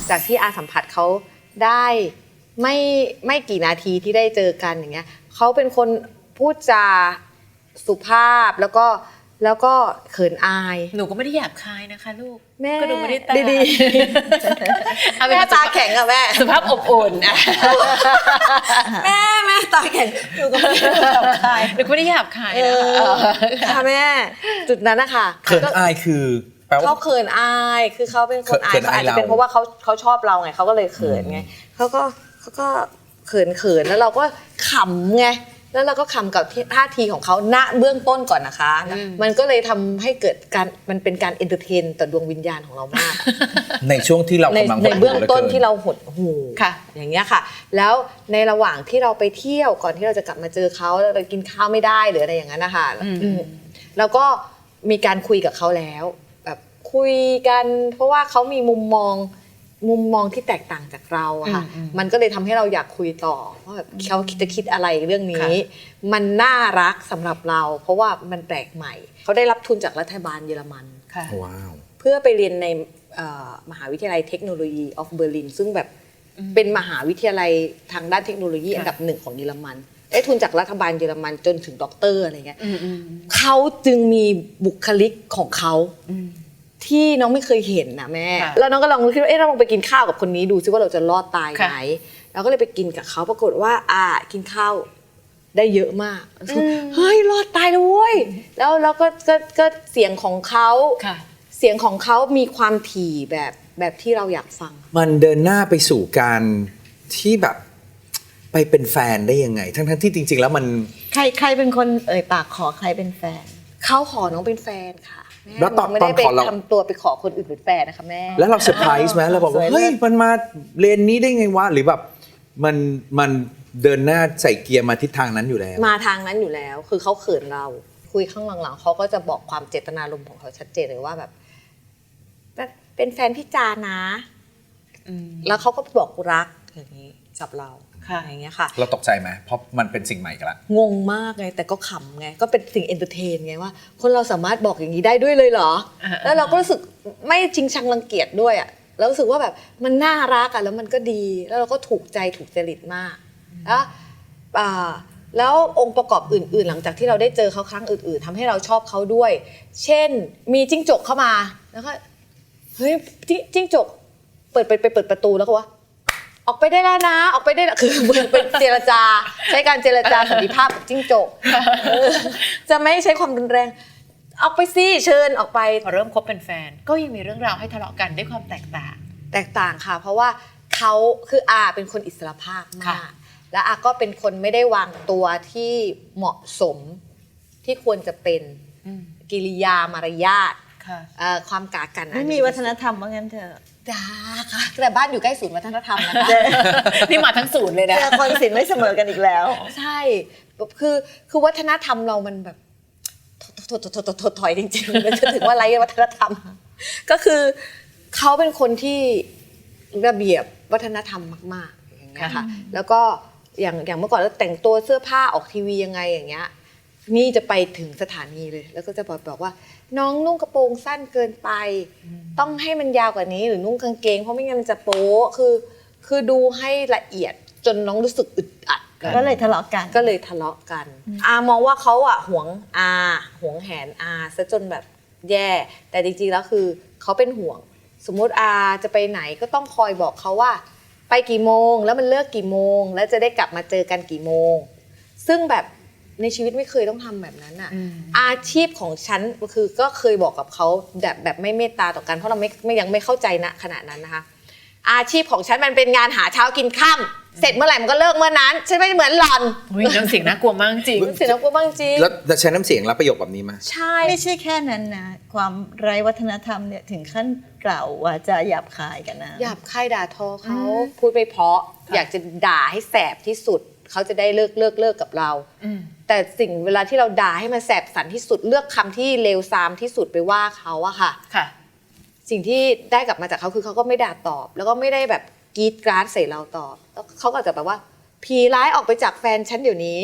จากที่อาสัมผัสเขาได้ไม่กี่นาทีที่ได้เจอกันอย่างเงี้ยเขาเป็นคนพูดจาสุภาพแล้วก็เขินอายหนูก็ไม่ได้หยาบคายนะคะลูกแม่ก็ดูไม่ได้ตาดีๆแม่ตาแข็งอะแม่สุภาพอบอุ่นแม่ตาแข็งหนูก็ไม่ได้หยาบคายหนูก็ไม่ได้หยาบคายนะคะค่ะแม่จุดนั้นนะคะเขินอายคือแปลว่าเขาเขินอายคือเขาเป็นคนอายอาจจะเป็นเพราะว่าเขาชอบเราไงเขาก็เลยเขินไงเขาก็เขินแล้วเราก็ขำไงแล้วเราก็ขำกับท่าทีของเขาณเบื้องต้นก่อนนะคะมันก็เลยทำให้เกิดการมันเป็นการเอนเตอร์เทนต่อดวงวิญญาณของเรามากในช่วงที่เรากำลังในเบื้องต้นที่เราหดหูอย่างเงี้ยค่ะแล้วในระหว่างที่เราไปเที่ยวก่อนที่เราจะกลับมาเจอเขาแล้วเรากินข้าวไม่ได้หรืออะไรอย่างนั้นนะคะแล้วก็มีการคุยกับเขาแล้วแบบคุยกันเพราะว่าเขามีมุมมองที่แตกต่างจากเราค่ะมันก็เลยทำให้เราอยากคุยต่อว่าแบบเขาจะคิดอะไรเรื่องนี้มันน่ารักสำหรับเราเพราะว่ามันแปลกใหม่เขาได้รับทุนจากรัฐบาลเยอรมันว้าวเพื่อไปเรียนในมหาวิทยาลัยเทคโนโลยีออฟเบอร์ลินซึ่งแบบเป็นมหาวิทยาลัยทางด้านเทคโนโลยีอันดับหนึ่งของเยอรมันได้ทุนจากรัฐบาลเยอรมันจนถึงด็อกเตอร์อะไรเงี้ยเขาจึงมีบุคลิกของเขาที่น้องไม่เคยเห็นนะแม่แล้วน้องก็ลองคิดว่าเราลองไปกินข้าวกับคนนี้ดูซิว่าเราจะรอดตายไหมเราก็เลยไปกินกับเขาปรากฏว่ากินข้าวได้เยอะมากเฮ้ยรอดตายแล้วเว้ยแล้วก็เสียงของเขามีความถี่แบบที่เราอยากฟังมันเดินหน้าไปสู่การที่แบบไปเป็นแฟนได้ยังไงทั้งที่จริงๆแล้วมันใครเป็นคนปากขอใครเป็นแฟนเขาขอน้องเป็นแฟนค่ะแล้วตอนขอเราทำตัวไปขอคนอื่นเป็นแฟนนะคะแม่แล้วเราเซอร์ไพรส์ไหมเราบอกว่าเฮ้ยมันมาเรียนนี้ได้ไงวะหรือแบบมันเดินหน้าใส่เกียร์มาทิศทางนั้นอยู่แล้วมาทางนั้นอยู่แล้วคือเขาเขินเราคุยข้างหลังๆเขาก็จะบอกความเจตนารมณ์ของเขาชัดเจนเลยว่าแบบเป็นแฟนพี่จานะแล้วเขาก็บอกรักอย่างนี้กับเราอย่างเงี้ยค่ะเราตกใจไหมเพราะมันเป็นสิ่งใหม่กันละงงมากไงแต่ก็ขำไงก็เป็นสิ่งเอนเตอร์เทนไงว่าคนเราสามารถบอกอย่างนี้ได้ด้วยเลยเหรอแล้วเราก็รู้สึกไม่จริงชังรังเกียจด้วยอ่ะแล้วรู้สึกว่าแบบมันน่ารักอ่ะแล้วมันก็ดีแล้วเราก็ถูกใจถูกจริตมากแล้วองค์ประกอบอื่นๆหลังจากที่เราได้เจอเขาครั้งอื่นๆทำให้เราชอบเขาด้วยเช่นมีจิ้งจกเข้ามาแล้วก็เฮ้ยจิ้งจกเปิดประตูแล้วก็ว่าออกไปได้แล้วนะออกไปได้คือเหมือนเป็นเจรจาใช้การเจรจาสันติภาพกับจิ้งจกจะไม่ใช้ความรุนแรงออกไปสิเชิญออกไปพอเริ่มคบเป็นแฟนก็ยังมีเรื่องราวให้ทะเลาะกันด้วยความแตกต่างค่ะเพราะว่าเขาคือเป็นคนอิสระภาพมากและก็เป็นคนไม่ได้วางตัวที่เหมาะสมที่ควรจะเป็นกิริยามารยาทความกากันไม่มีวัฒนธรรมว่างั้นเถอะค่ะแต่บ้านอยู่ใกล้ศูนย์วัฒนธรรมนะคะนี่มาทั้งศูนย์เลยนะแต่คนศิลป์ไม่เสมอกันอีกแล้วใช่คือวัฒนธรรมเรามันแบบถอยจริงๆมันจะถึงว่าไร้วัฒนธรรมก็คือเขาเป็นคนที่ระเบียบวัฒนธรรมมากๆอย่างเงี้ยค่ะแล้วก็อย่างเมื่อก่อนเราแต่งตัวเสื้อผ้าออกทีวียังไงอย่างเงี้ยนี่จะไปถึงสถานีเลยแล้วก็จะบอกว่าน้องนุ่งกระโปรงสั้นเกินไปต้องให้มันยาวกว่านี้หรือนุ่งกางเกงเพราะไม่งั้นมันจะโป๊คือดูให้ละเอียดจนน้องรู้สึกอึดอัดก็เลยทะเลาะกันมองว่าเขาหวงแหนซะจนแบบแย่แต่จริงๆแล้วคือเขาเป็นห่วงสมมติจะไปไหนก็ต้องคอยบอกเขาว่าไปกี่โมงแล้วมันเลิกกี่โมงแล้วจะได้กลับมาเจอกันกี่โมงซึ่งแบบในชีวิตไม่เคยต้องทำแบบนั้นอาชีพของฉันคือก็เคยบอกกับเขาแบบไม่เมตตาต่อกันเพราะเรายังไม่เข้าใจณขณะนั้นนะคะอาชีพของฉันมันเป็นงานหาเช้ากินค่ำเสร็จเมื่อไหร่มันก็เลิกเมื่อนั้นฉันไม่เหมือนหล่อนน้ำเสียงน่ากลัวมากจริงเสียงน่ากลัวมากจริงแล้วใช้น้ำเสียงรับประโยคแบบนี้ไหมใช่ไม่ใช่แค่นั้นนะความไร้วัฒนธรรมเนี่ยถึงขั้นกล่าวว่าจะหยาบคายกันนะหยาบคายด่าทอเขาพูดไปเพราะอยากจะด่าให้แสบที่สุดเขาจะได้เลิกกับเราแต่สิ่งเวลาที่เราด่าให้มันแสบสันที่สุดเลือกคำที่เลวทรามที่สุดไปว่าเขาอะค่ะสิ่งที่ได้กลับมาจากเขาคือเขาก็ไม่ด่าตอบแล้วก็ไม่ได้แบบกรีดกราดใส่เราตอบแล้วเขาก็จะแบบว่าผีร้ายออกไปจากแฟนฉันเดี๋ยวนี้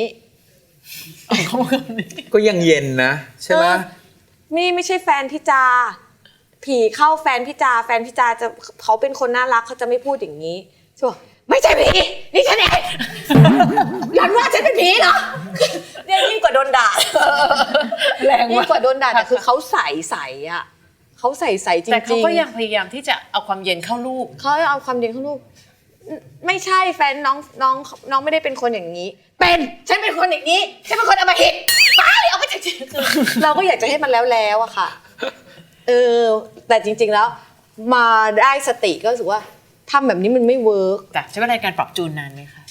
ก็ยังเย็นนะใช่ไหมนี่ไม่ใช่แฟนพี่จาผีเข้าแฟนพี่จาจะเขาเป็นคนน่ารักเขาจะไม่พูดอย่างนี้ใช่ป่ะไม่ใช่ผีนี่ฉันเอง หลันว่าฉันเป็นผีเหรอเนี่ยยิ่งกว่าโดนด่าแรงยิ่งกว่าโดนด่าแต่คือเขาใส่อ่ะเขาใส่จริงๆแต่เขาก็ยังพยายามที่จะเอาความเย็นเข้าลูกเขาเอาความเย็นเข้าลูกไม่ใช่แฟนน้องไม่ได้เป็นคนอย่างนี้เป็นฉันเป็นคนอย่างนี้ฉันเป็นคนอำมหิตไปเอาไปจากชีวิตเราก็อยากจะให้มันแล้วอะค่ะแต่จริงๆแล้วมาได้สติก็รู้สึกว่าทำแบบนี้มันไม่เวิร์กแต่ใช้เวลาในการปรับจูนนานไหมคะ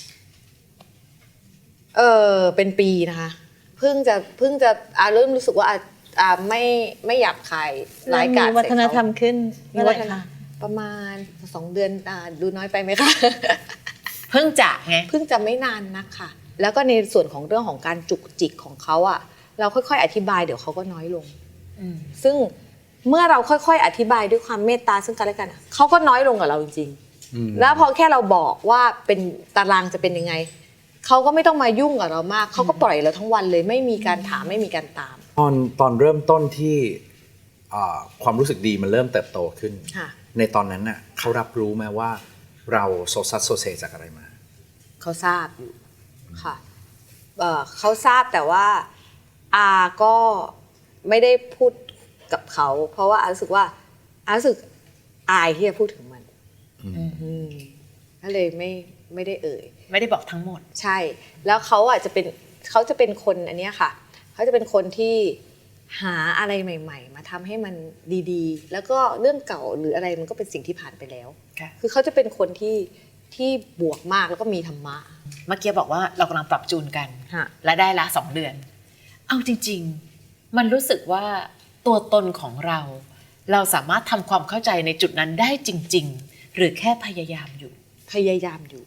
เป็นปีนะคะเพิ่งจะเริ่มรู้สึกว่าไม่หยาบคายร้ายกาจมีวัฒนธรรมขึ้นมีเมื่อไหวัร่ฒนธรรคะมประมาณ2 เดือนดูน้อยไปไหมคะเพิ่งจากไงเพิ่งจะไม่นานนักค่ะ แล้วก็ในส่วนของเรื่องของการจุกจิกของเขาอ่ะเราค่อยๆอธิบายเดี๋ยวเขาก็น้อยลง ซึ่งเมื่อเราค่อยๆอธิบายด้วยความเมตตาซึ่งกันและกันอะเขาก็น้อยลงกับเราจริงๆแล้วพอแค่เราบอกว่าเป็นตารางจะเป็นยังไงเขาก็ไม่ต้องมายุ่งกับเรามากเขาก็ปล่อยเราทั้งวันเลยไม่มีการถามไม่มีการตามตอนเริ่มต้นที่ความรู้สึกดีมันเริ่มเติบโตขึ้นค่ะในตอนนั้นน่ะเขารับรู้ไหมว่าเราโซซัสโซเซจากอะไรมาเขาทราบอยู่ค่ะเขาทราบแต่ว่าอาก็ไม่ได้พูดกับเขาเพราะว่าอารู้สึกว่าอารู้สึกอายที่จะพูดถึงมันก็เลยไม่ได้เอ่ยไม่ได้บอกทั้งหมดใช่ แล้วเขาจะเป็นคนอันเนี้ยค่ะเขาจะเป็นคนที่หาอะไรใหม่ๆมาทำให้มันดีๆแล้วก็เรื่องเก่าหรืออะไรมันก็เป็นสิ่งที่ผ่านไปแล้วค่ะคือเขาจะเป็นคนที่บวกมากแล้วก็มีธรรมะเมื่อกี้บอกว่าเรากำลังปรับจูนกันฮะและได้ละ2 เดือน เอาจริงๆ มันรู้สึกว่าตัวตนของเรา เราสามารถทำความเข้าใจในจุดนั้นได้จริง ๆ หรือแค่พยายามอยู่พยายามอยู่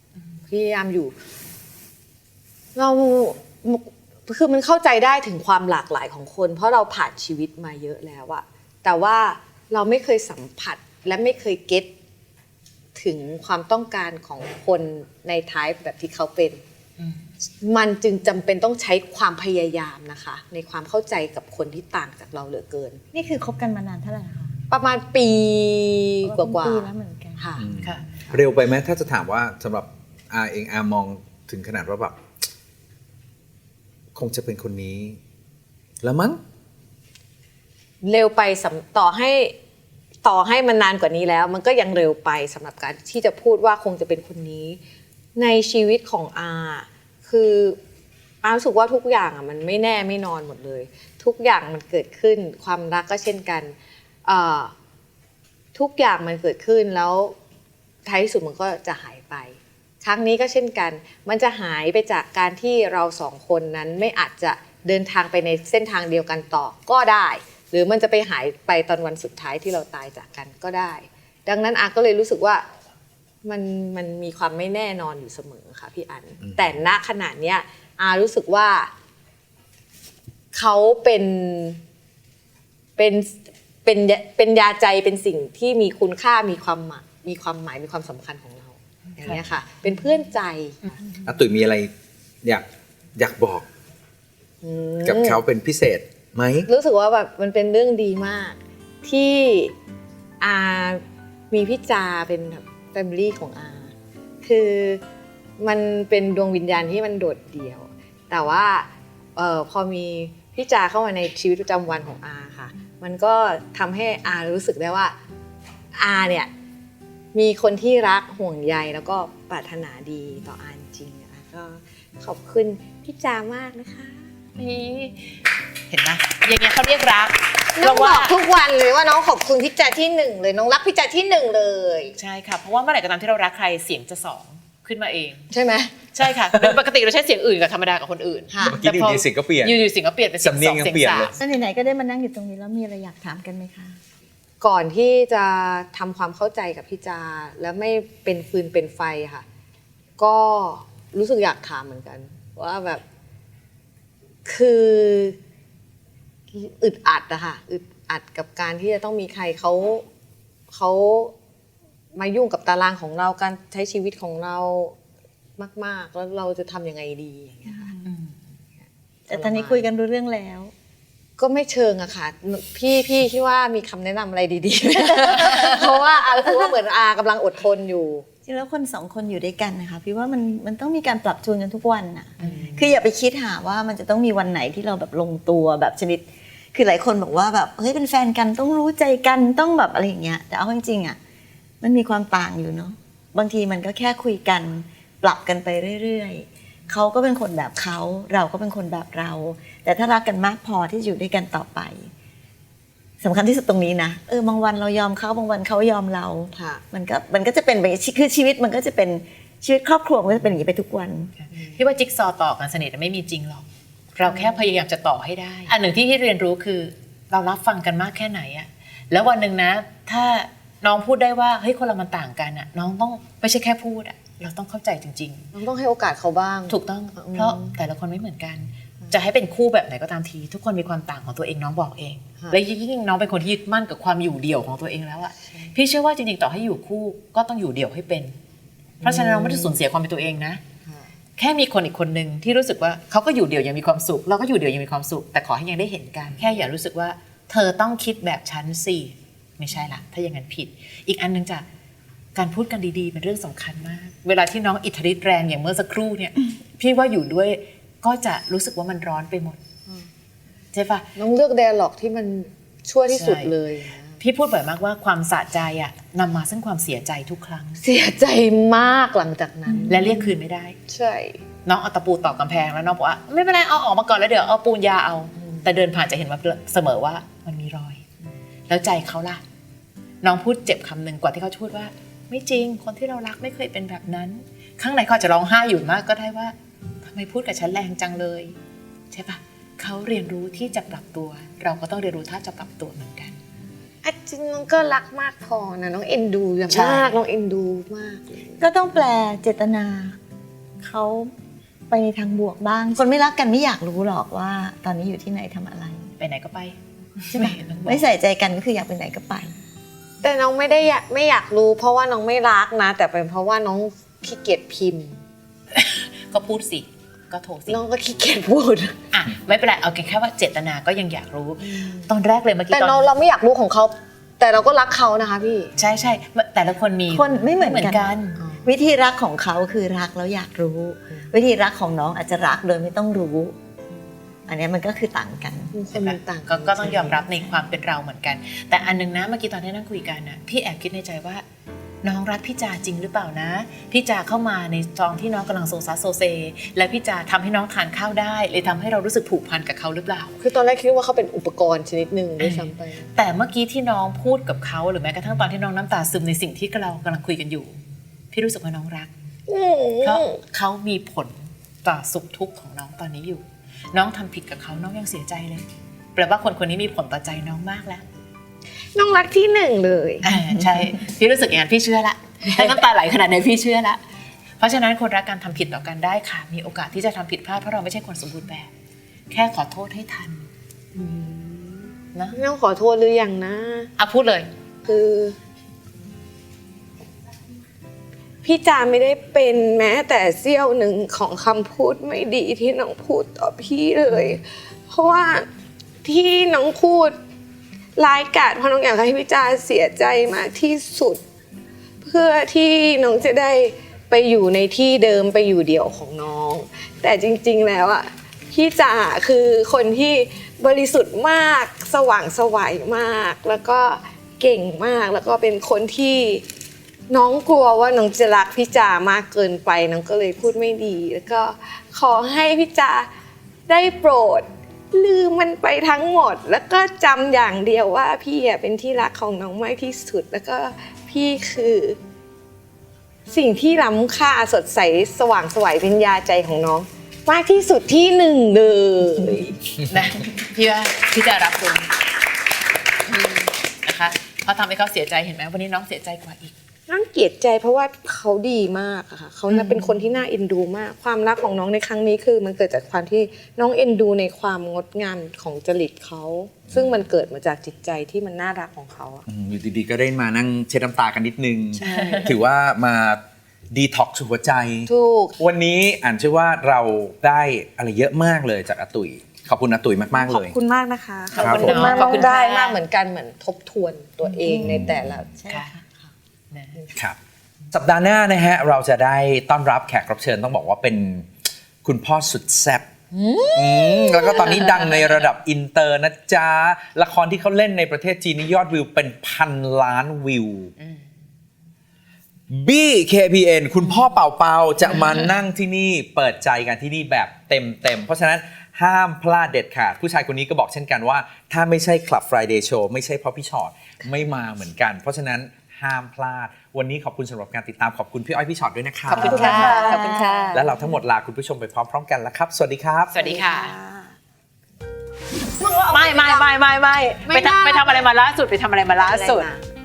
เราคือมันเข้าใจได้ถึงความหลากหลายของคน เพราะเราผ่านชีวิตมาเยอะแล้วอะแต่ว่าเราไม่เคยสัมผัสและไม่เคยเก็ตถึงความต้องการของคนในไทป์แบบที่เขาเป็น มันจึงจำเป็นต้องใช้ความพยายามนะคะ ในความเข้าใจกับคนที่ต่างจากเราเหลือเกินนี่คือคบกันมานานเท่าไหร่คะประมาณปีกว่าปีแล้วเหมือนกันค่ะค่ะเร็วไปไหมถ้าจะถามว่าสำหรับอาเองอามองถึงขนาดว่าแบบคงจะเป็นคนนี้ แล้วมั้งเร็วไปต่อให้มันนานกว่านี้แล้ว มันก็ยังเร็วไปสำหรับการที่จะพูดว่าคงจะเป็นคนนี้ ในชีวิตของอาคืออารู้สึกว่าทุกอย่างมันไม่แน่ไม่นอนหมดเลย ทุกอย่างมันเกิดขึ้นความรักก็เช่นกันทุกอย่างมันเกิดขึ้นแล้วท้ายที่สุดมันก็จะหายไป ครั้งนี้ก็เช่นกัน มันจะหายไปจากการที่เราสองคนนั้นไม่อาจจะเดินทางไปในเส้นทางเดียวกันต่อก็ได้ หรือมันจะไปหายไปตอนวันสุดท้ายที่เราตายจากกันก็ได้ ดังนั้นอาก็เลยรู้สึกว่ามันมีความไม่แน่นอนอยู่เสมอค่ะพี่อันแต่ณขณะเนี้ยอารู้สึกว่าเขาเป็นยาใจเป็นสิ่งที่มีคุณค่ามีความหมายมีความสำคัญของเราอย่างเงี้ยค่ะ เป็นเพื่อนใจอาตุ๋ยมีอะไรอยากบอกกับเขาเป็นพิเศษไหมรู้สึกว่าแบบมันเป็นเรื่องดีมาก ที่อามีพี่จาเป็นแบบแฟมิลี่ของอาคือมันเป็นดวงวิญญาณที่มันโดดเดี่ยว แต่ว่าพอมีพี่จาเข้ามาในชีวิตประจำวันของอาค่ะ มันก็ทำให้อารู้สึกได้ว่าอาเนี่ยมีคนที่รักห่วงใยแล้วก็ปรารถนาดีต่ออาจริงๆนะคะก็ขอบคุณพี่จามากนะคะนี่เห็นไหมอย่างเงี้ยเขาเรียกรักน้องบอกทุกวันเลยว่าน้องขอบคุณพี่จาที่หนึ่งเลยน้องรักพี่จาที่หนึ่งเลยใช่ค่ะ เพราะว่าเมื่อไหร่ก็ตามที่เรารักใครเสียงจะสองขึ้นมาเองใช่ไหมใช่ค่ะเป็นปกติเราใช้เสียงอื่นกับธรรมดากับคนอื่นค่ะเมื่อกี้อยู่ดีเสียงก็เปลี่ยนอยู่ๆเสียงก็เปลี่ยนเป็นเสียงสำเนีสยอง งยังเสียงเปลี่ยนสาเลมยแล้วไหนๆก็ได้มานั่งอยู่ตรงนี้แล้วมีอะไรอยากถามกันไหมคะก่อนที่จะทำความเข้าใจกับพี่จาแล้วไม่เป็นฟืนเป็นไฟค่ะ ก็รู้สึกอยากถามเหมือนกัน ว่าแบบคืออึดอัดอะค่ะอึดอัดกับการที่จะต้องมีใครเขามายุ่งกับตารางของเราการใช้ชีวิตของเรามากๆแล้วเราจะทำยังไงดีอย่างเงี้ยค่ะแต่ตอนนี้คุยกันรู้เรื่องแล้วก็ไม่เชิงอะค่ะพี่คิดว่ามีคำแนะนำอะไรดีๆ เพราะว่าคือว่าเหมือนกำลังอดทนอยู่จริงแล้วคนสองคนอยู่ด้วยกันนะคะพี่ว่ามันต้องมีการปรับจูนกันทุกวันน่ะคืออย่าไปคิดหาว่ามันจะต้องมีวันไหนที่เราแบบลงตัวแบบชนิดคือหลายคนบอกว่าแบบเฮ้ยเป็นแฟนกันต้องรู้ใจกันต้องแบบอะไรอย่างเงี้ยแต่เอาจริงๆอ่ะมันมีความต่างอยู่เนาะบางทีมันก็แค่คุยกันปรับกันไปเรื่อยๆเขาก็เป็นคนแบบเขาเราก็เป็นคนแบบเรา แต่ถ้ารักกันมากพอที่จะอยู่ด้วยกันต่อไปสำคัญที่สุดตรงนี้นะบางวันเรายอมเขาบางวันเขายอมเราค่ะมันก็จะเป็นแบบคือชีวิตมันก็จะเป็นชีวิตครอบครัวมันก็จะเป็นอย่างนี้ไปทุกวันพี่ว่าจิ๊กซอว์ต่อกันสนิทไม่มีจริงหรอกเราแค่พยายามจะต่อให้ได้ อันหนึ่งที่เรียนรู้คือเรารับฟังกันมากแค่ไหนอะแล้ววันหนึ่งนะถ้าน้องพูดได้ว่าเฮ้ยคนเรามันต่างกันอะน้องต้องไม่ใช่แค่พูดอะเราต้องเข้าใจจริงน้องต้องให้โอกาสเขาบ้างๆ ถูกต้องเพราะแต่ละคนไม่เหมือนกัน จะให้เป็นคู่แบบไหนก็ตามที ทุกคนมีความต่างของตัวเองน้องบอกเองค่ะและยิ่งน้องเป็นคนที่ยึดมั่นกับความอยู่เดี่ยวของตัวเองแล้วอะพี่เชื่อว่าจริงๆต่อให้อยู่คู่ก็ต้องอยู่เดี่ยวให้เป็น เพราะฉะนั้นเราไม่ได้สูญเสียความเป็นตัวเองนะ แค่มีคนอีกคนหนึ่งที่รู้สึกว่าเขาก็อยู่เดี่ยวยังมีความสุขเราก็อยู่เดี่ยวยังมีความสุขแต่ขอให้ยังได้เห็นกันแค่อย่ารู้สึกว่าเธอต้องคิดแบบฉันสิไม่ใช่ละถ้าอย่างนั้นผิด อีกอันหนึงจะการพูดกันดีๆเป็นเรื่องสำคัญมาก เวลาที่น้องอิทธิฤทธิ์แรงอย่างเมื่อสักครู่เนี่ยพี่ว่าอยู่ด้วยก็จะรู้สึกว่ามันร้อนไปหมดใช่ปะน้องเลือกไดอะล็อกที่มันชั่วที่สุดเลยพี่พูดบ่อยมากว่าความสะใจอะนำมาซึ่งความเสียใจทุกครั้งเสียใจมากหลังจากนั้นและเรียกคืนไม่ได้ใช่น้องเอาตะปูตอกกำแพงแล้วน้องบอกว่าไม่เป็นไรเอาออกมาก่อนแล้วเดี๋ยวเอาปูนยาเอา แต่เดินผ่านจะเห็นว่าเสมอว่ามันมีรอย แล้วใจเขาล่ะ น้องพูดเจ็บคำหนึ่งกว่าที่เขาจะพูดว่า ไม่จริงคนที่เรารักไม่เคยเป็นแบบนั้น ข้างในเขาอาจจะร้องไห้อยู่มากก็ได้ว่าทำไมพูดกับฉันแรงจังเลยใช่ปะเขาเรียนรู้ที่จะปรับตัว เราก็ต้องเรียนรู้ท่าจะปรับตัวเหมือนกันจริงน้องก็รักมากพอนะน้องเอ็นดูอย่างใช่มากน้องเอ็นดูมากเลยก็ต้องแปลเจตนาเขาไปในทางบวกบ้าง คนไม่รักกันไม่อยากรู้หรอกว่า ตอนนี้อยู่ที่ไหนทำอะไรไปไหนก็ไปใช่ไหมต้องบอกไม่ใส่ใจกันก็คืออยากไปไหนก็ไปแต่น้องไม่ได้ไม่อยากรู้ เพราะว่าน้องไม่รักนะ แต่เป็นเพราะว่าน้องขี้เกียจพิมพ์ก็พูดสิก็โทรสิน้องก็ขี้เกียจพูดอ่ะไม่เป็นไรเอาแค่ว่าเจตนาก็ยังอยากรู้ ตอนแรกเลยเมื่อกี้แต่ตอนเราไม่อยากรู้ของเขา แต่เราก็รักเขานะคะพี่ใช่ใช่แต่ละคนมีคนไม่เหมือนกันนวิธีรักของเขาคือรักแล้วอยากรู้ วิธีรักของน้องอาจจะรักโดยไม่ต้องรู้ อันนี้มันก็คือต่างกันคนมันต่างก็ต้องยอมรับในความเป็นเราเหมือนกัน แต่อันนึงนะเมื่อกี้ตอนที่นั่งคุยกันนะพี่แอบคิดในใจว่า น้องรักพี่จาจริงหรือเปล่านะพี่จาเข้ามาในตอนที่น้องกำลังโซซัสโซเซและพี่จาทำให้น้องทานข้าวได้เลยทำให้เรารู้สึกผูกพันกับเขาหรือเปล่าคือตอนแรกคิดว่าเขาเป็นอุปกรณ์ชนิดหนึ่งด้วยซ้ำไปแต่เมื่อกี้ที่น้องพูดกับเขาหรือแม้กระทั่งตอนที่น้องน้ำตาซึมในสิ่งที่เรากำลังคุยกันอยู่ พี่รู้สึกว่าน้องรัก เพราะเขามีผลต่อสุขทุกข์ของน้องตอนนี้อยู่ น้องทำผิดกับเขาน้องยังเสียใจเลยแปลว่าคนคนนี้มีผลต่อใจน้องมากแล้วน้องรักที่หนึ่งเลยใช่พี่รู้สึกอย่างนั้นพี่เชื่อละถ้าน้ำตาไหลขนาดไหนพี่เชื่อละเพราะฉะนั้นคนรักการทำผิดต่อกันได้ค่ะมีโอกาสที่จะทำผิดพลาดเพราะเราไม่ใช่คนสมบูรณ์แบบ แค่ขอโทษให้ทันนะน้องขอโทษหรือยังนะพูดเลยคือ พี่จาไม่ได้เป็นแม้แต่เสี้ยวหนึ่งของคำพูดไม่ดีที่น้องพูดต่อพี่เลย เพราะว่าที่น้องพูดร้ายกาจเพราะน้องอยากให้พี่จาเสียใจมากที่สุด เพื่อที่น้องจะได้ไปอยู่ในที่เดิมไปอยู่เดี่ยวของน้อง แต่จริงๆแล้วอ่ะพี่จาคือคนที่บริสุทธิ์มากสว่างไสวมาก แล้วก็เก่งมากแล้วก็เป็นคนที่น้องกลัวว่าน้องจะรักพี่จามากเกินไปน้องก็เลยพูดไม่ดี แล้วก็ขอให้พี่จาได้โปรดลืมมันไปทั้งหมด แล้วก็จำอย่างเดียวว่าพี่เป็นที่รักของน้องมากที่สุดแล้วก็พี่คือสิ่งที่ล้ำค่าสดใสสว่างไสวเป็นยาใจของน้องมากที่สุดที่หนึ่งเลยนะพี่ว่าพี่จะรับคุณนะคะเพราะทำให้เขาเสียใจเห็นไหมวันนี้น้องเสียใจกว่าอีกน้องเกลียดใจเพราะว่าเขาดีมากอะค่ะเขาน่ะเป็นคนที่น่าเอ็นดูมาก ความรักของน้องในครั้งนี้คือมันเกิดจากความที่น้องเอ็นดูในความงดงามของจริตเขาซึ่งมันเกิดมาจากจิตใจที่มันน่ารักของเขาอะอยู่ดีๆก็ได้มานั่งเช็ดน้ำตากันนิดนึงใช่ถือว่ามาดีท็อกซ์หัวใจถูกวันนี้อ่านเชื่อว่าเราได้อะไรเยอะมากเลยจากอาตุ๋ยขอบคุณอาตุ๋ยมากๆขเลอบยคุณมากนะคะครับผมมากขอบคุณได้ค่ะมากเหมือนกันเหมือนทบทวนตัวเองในแต่ละค่ะนะครับสัปดาห์หน้านะฮะเราจะได้ต้อนรับแขกรับเชิญต้องบอกว่าเป็นคุณพ่อสุดแซ่บแล้วก็ตอนนี้ดังในระดับอินเตอร์นะจ๊ะละครที่เขาเล่นในประเทศจีนนี่ยอดวิวเป็น1,000,000,000 วิวBKPN คุณพ่อเป่าเปาจะมานั่งที่นี่เปิดใจกันที่นี่แบบเต็มเพราะฉะนั้นห้ามพลาดเด็ดขาดผู้ชายคนนี้ก็บอกเช่นกันว่าถ้าไม่ใช่ Club Friday Show ไม่ใช่เพราะพี่ชอตไม่มาเหมือนกัน เพราะฉะนั้นห้ามพลาดวันนี้ขอบคุณสำหรับการติดตามขอบคุณพี่อ้อยพี่ชอตด้วยนะครับขอบคุณค่ะขอบคุณค่ะและเราทั้งหมดลาคุณผู้ชมไปพร้อมๆกันแล้วครับสวัสดีครับสวัสดีค่ะไม่ไปทำอะไรมาล่าสุดไปทำอะไรมาล่าสุด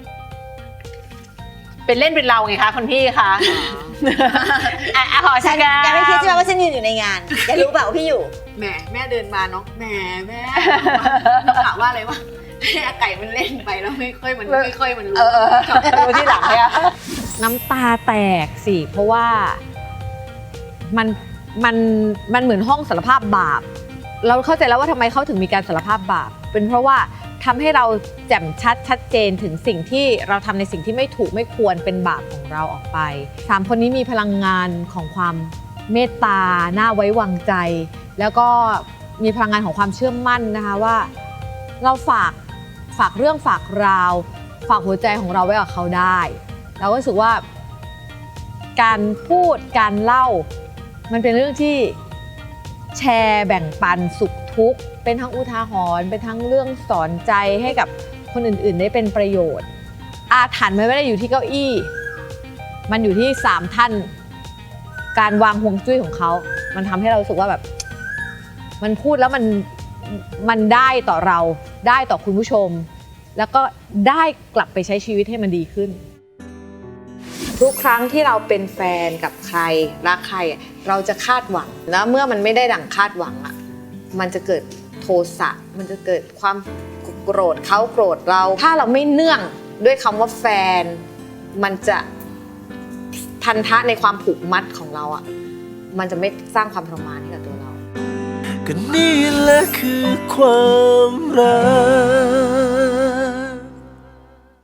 เป็นเล่นเป็นเราไงคะคุณพี่คะขอฉัชันกแกไม่คิดใช่ไหมว่าฉันยืนอยู่ในงานแกรู้เปล่าว่าพี่อยู่แหมแม่เดินมาเนาะแหมแม่ถามว่าอะไรวะไก่มันเล่นไปแล้วไม่ค่อยมันรู้รู้ที่หลังเนี่ยน้ำตาแตกสิเพราะว่ามันมันเหมือนห้องสารภาพบาป เราเข้าใจแล้วว่าทำไมเขาถึงมีการสารภาพบาปเป็นเพราะว่าทำให้เราแจ่มชัดเจนถึงสิ่งที่เราทำในสิ่งที่ไม่ถูกไม่ควรเป็นบาปของเราออกไป3คนนี้มีพลังงานของความเมตตาน่าไว้วางใจ แล้วก็มีพลังงานของความเชื่อมั่นนะคะว่าเราฝากเรื่องฝากราวฝากหัวใจของเราไว้กับเขาได้เราก็รู้สึกว่าการพูดการเล่ามันเป็นเรื่องที่แชร์แบ่งปันสุขทุกข์เป็นทั้งอุทาหรณ์เป็นทั้งเรื่องสอนใจให้กับคนอื่นๆได้เป็นประโยชน์อาถรรพ์มันไม่ได้อยู่ที่เก้าอี้มันอยู่ที่3ท่านการวางฮวงจุ้ยของเขามันทำให้เรารู้สึกว่าแบบมันพูดแล้วมันได้ต่อเราได้ต่อคุณผู้ชมแล้วก็ได้กลับไปใช้ชีวิตให้มันดีขึ้นทุกครั้งที่เราเป็นแฟนกับใครรักใครเราจะคาดหวังแล้วเมื่อมันไม่ได้ดั่งคาดหวังอ่ะมันจะเกิดโทสะมันจะเกิดความโกรธเขาโกรธเราถ้าเราไม่เนื่องด้วยคำว่าแฟนมันจะพันธะในความผูกมัดของเราอ่ะมันจะไม่สร้างความทรมานให้กับตัวเราก็นี่แหละคือความรัก